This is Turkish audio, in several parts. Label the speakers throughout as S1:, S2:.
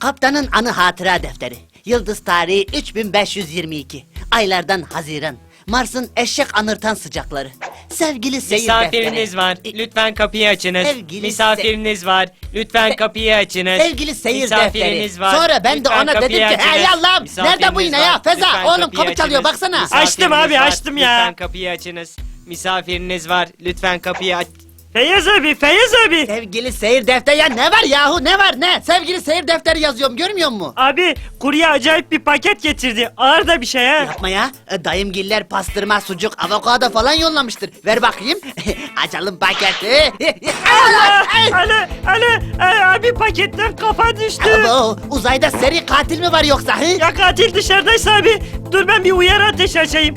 S1: Kaptanın anı hatıra defteri. Yıldız tarihi 3522. Aylardan Haziran. Mars'ın eşek anırtan sıcakları. Sevgili seyir
S2: Misafiriniz
S1: defteri.
S2: var. Lütfen kapıyı açınız.
S1: Sevgili
S2: Misafiriniz var. Lütfen kapıyı açınız.
S1: Sevgili seyir
S2: Misafiriniz
S1: defteri.
S2: var.
S1: Sonra ben de
S2: Lütfen
S1: ona dedim
S2: kapıyı
S1: ki hey
S2: açınız.
S1: Allah'ım nerede bu yine ya?
S2: var.
S1: Feza
S2: Lütfen
S1: oğlum
S2: kapıyı
S1: kapı çalıyor
S2: açınız.
S1: baksana.
S2: Misafiriniz
S3: Açtım abi,
S2: var.
S3: açtım ya.
S2: Lütfen kapıyı açınız. Misafiriniz var. Lütfen kapıyı aç.
S3: Feyyaz abi, Feyyaz abi.
S1: Sevgili seyir defteri ya ne var yahu ne var ne? Sevgili seyir defteri yazıyorum görmüyor musun?
S3: Abi kurye acayip bir paket getirdi. Ağır da bir şey ha.
S1: Yapma ya. Dayımgiller pastırma, sucuk, avokado falan yollamıştır. Ver bakayım. Açalım paketi.
S3: Abi paketten kafa düştü.
S1: Abo, uzayda seri katil mi var yoksa? Hı?
S3: Ya katil dışarıdaysa abi. Dur ben bir uyarı ateşi açayım.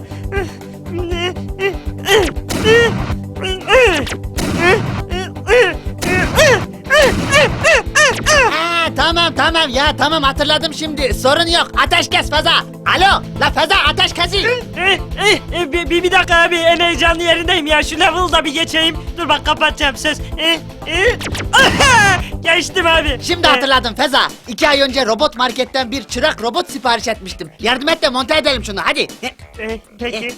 S1: Ha, tamam ya tamam hatırladım şimdi. Sorun yok. Ateş kes Feza. Alo la Feza ateş kesin.
S3: Bir dakika abi en heyecanlı yerindeyim ya. Şu level'da bir geçeyim. Dur bak kapatacağım söz. Geçtim abi.
S1: Şimdi hatırladım Feza. 2 ay önce robot marketten bir çırak robot sipariş etmiştim. Yardım et de monte edelim şunu hadi.
S3: Peki.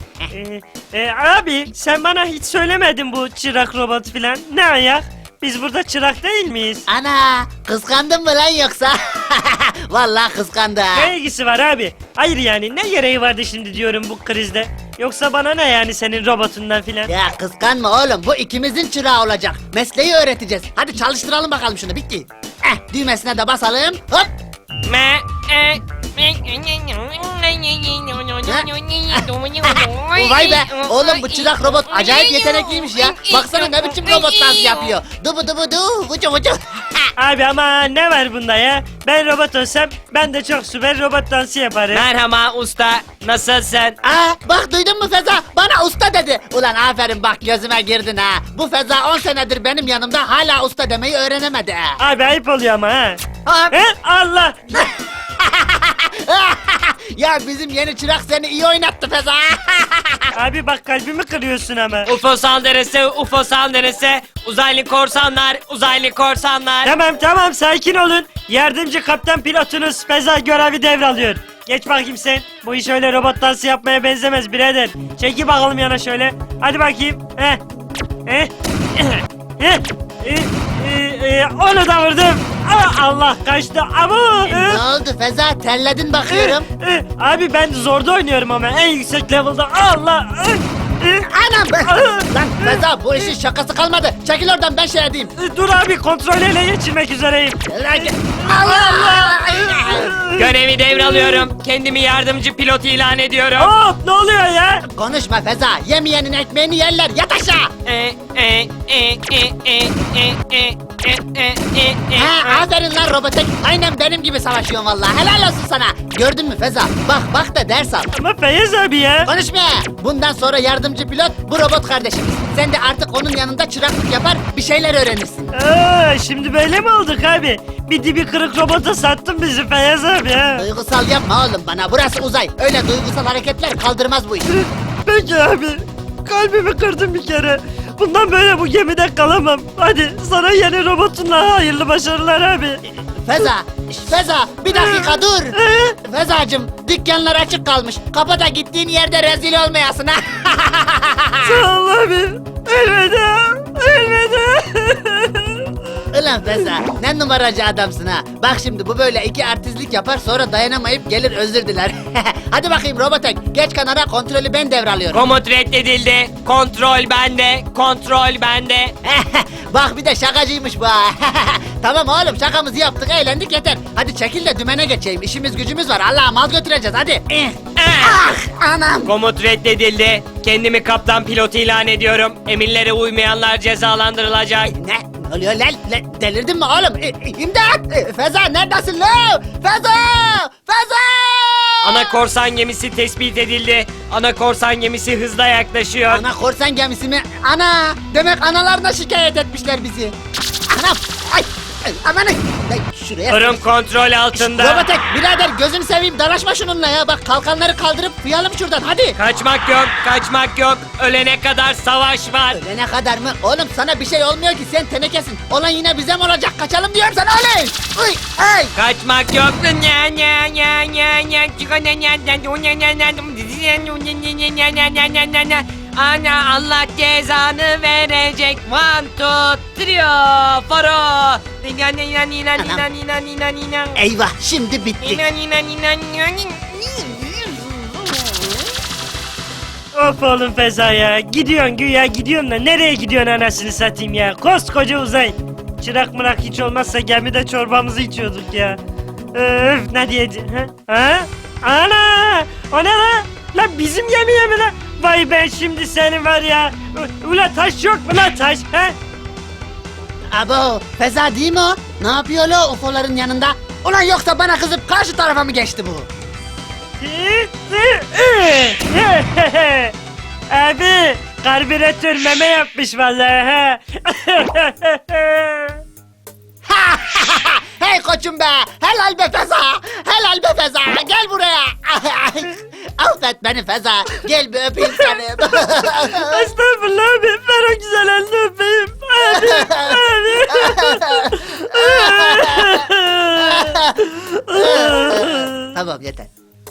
S3: Abi sen bana hiç söylemedin bu çırak robot filan. Ne ayak? Biz burada çırak değil miyiz?
S1: Ana kıskandın mı lan yoksa? Vallahi kıskandı.
S3: Ne ilgisi var abi? Hayır yani ne gereği vardı şimdi diyorum bu krizde? Yoksa bana ne yani senin robotundan filan?
S1: Ya kıskanma oğlum bu ikimizin çırağı olacak. Mesleği öğreteceğiz. Hadi çalıştıralım bakalım şunu bitti. Düğmesine de basalım. Hop. Vay be oğlum bu çırak robot acayip yetenekliymiş ya. Baksana ne biçim robot dans yapıyor. Dubu dubu du vucu vucu.
S3: Abi ama ne var bunda ya? Ben robot olsam ben de çok süper robot dansı yaparım.
S2: Merhaba usta. Nasılsın?
S1: Bak duydun mu Feza? Bana usta dedi. Ulan aferin bak gözüme girdin ha. Bu Feza 10 senedir benim yanımda hala usta demeyi öğrenemedi ha.
S3: Abi ayıp oluyor ama ha.
S1: Hop.
S3: He? Allah!
S1: Ya bizim yeni çırak seni iyi oynattı Feza.
S3: Abi bak kalbimi kırıyorsun ama.
S2: UFO saldırısı, UFO saldırısı. Uzaylı korsanlar, uzaylı korsanlar.
S3: Tamam sakin olun. Yardımcı kaptan pilotunuz Feza görevi devralıyor. Geç bakayım sen. Bu iş öyle robot dansı yapmaya benzemez birader. Çeki bakalım yana şöyle. Hadi bakayım. Onu da vurdum. Allah kaçtı.
S1: Ne oldu Feza? Terledin bakıyorum.
S3: Abi ben zorda oynuyorum ama en yüksek level'da. Allah.
S1: Anam! Lan Feza bu işin şakası kalmadı. Çekil oradan ben şey edeyim.
S3: Dur abi kontrol ele geçirmek üzereyim.
S1: Allah!
S2: Görevi devralıyorum. Kendimi yardımcı pilot ilan ediyorum.
S3: Hop ne oluyor ya?
S1: Konuşma Feza. Yemeyenin ekmeğini yerler. Yat aşağı. Aferin lan robotek. Aynen benim gibi savaşıyorsun vallahi. Helal olsun sana. Gördün mü Feza? Bak da ders al.
S3: Ama Feyyaz abi ya.
S1: Konuşma. Bundan sonra yardımcı pilot bu robot kardeşimiz. Sen de artık onun yanında çıraklık yapar bir şeyler öğrenirsin.
S3: Şimdi böyle mi olduk abi? Bir dibi kırık robota sattın bizi Feyyaz abi ha.
S1: Duygusal yapma oğlum bana. Burası uzay. Öyle duygusal hareketler kaldırmaz bu işi.
S3: Peki abi. Kalbimi kırdın bir kere. Bundan böyle bu gemide kalamam. Hadi sana yeni robotunla hayırlı başarılar abi.
S1: Feza bir dakika dur. Fezacığım dükkanlar açık kalmış. Kapa da gittiğin yerde rezil olmayasın ha.
S3: Sağ ol abi. Elveda.
S1: Ulan Feza ne numaracı adamsın ha. Bak şimdi bu böyle iki artistlik yapar sonra dayanamayıp gelir özür diler. Hadi bakayım robotek geç kanara kontrolü ben devralıyorum.
S2: Komut reddedildi. Kontrol bende. Kontrol bende.
S1: Bak bir de şakacıymış bu ha. Tamam oğlum şakamızı yaptık eğlendik yeter. Hadi çekil de dümene geçeyim işimiz gücümüz var. Allah'a mal götüreceğiz hadi. Anam.
S2: Komut reddedildi. Kendimi kaptan pilot ilan ediyorum. Emirlere uymayanlar cezalandırılacak.
S1: Ne oluyor lan? Delirdin mi oğlum? İmdat! Feza neredesin lan? Feza!
S2: Ana korsan gemisi tespit edildi. Ana korsan gemisi hızla yaklaşıyor.
S1: Ana korsan gemisi mi? Ana! Demek analarına şikayet etmişler bizi. Anam! Ay! Aman şuraya.
S2: Durum kontrol altında.
S1: Robotek birader gözünü seveyim dalaşma şununla ya. Bak kalkanları kaldırıp fıyalım şuradan hadi.
S2: Kaçmak yok, kaçmak yok. Ölene kadar savaş var.
S1: Ölene kadar mı? Oğlum sana bir şey olmuyor ki sen tenekesin. Olan yine bize mi olacak? Kaçalım diyorum sana oley. Uy ay.
S2: Kaçmak yok. Ana Allah cezanı verecek. 1, 2, 3, 4.
S1: Eyvah şimdi bittik.
S3: Of oğlum Feza ya. Gidiyorsun güya gidiyorsun da nereye gidiyorsun anasını satayım ya. Koskoca uzay. Çırak mırak hiç olmazsa gemide çorbamızı içiyorduk ya. Öf ne diyeceğim ha? Ha? Ana! O ne lan? Lan bizim gemiye mi lan? Vay ben şimdi seni var ya. Ula taş yok mu lan taş ha?
S1: Abo Feza değil mi o? Ne yapıyor lo UFO'ların yanında? Ulan yoksa bana kızıp karşı tarafa mı geçti bu?
S3: Abi karbüratör meme yapmış vallahi ha.
S1: Hey koçum be! Helal be Feza! Helal be Feza! Gel buraya! Affet beni Feza! Gel bir öpeyim seni!
S3: Estağfurullah abi ver o güzel elini öpeyim. Abi.
S1: Tamam yeter.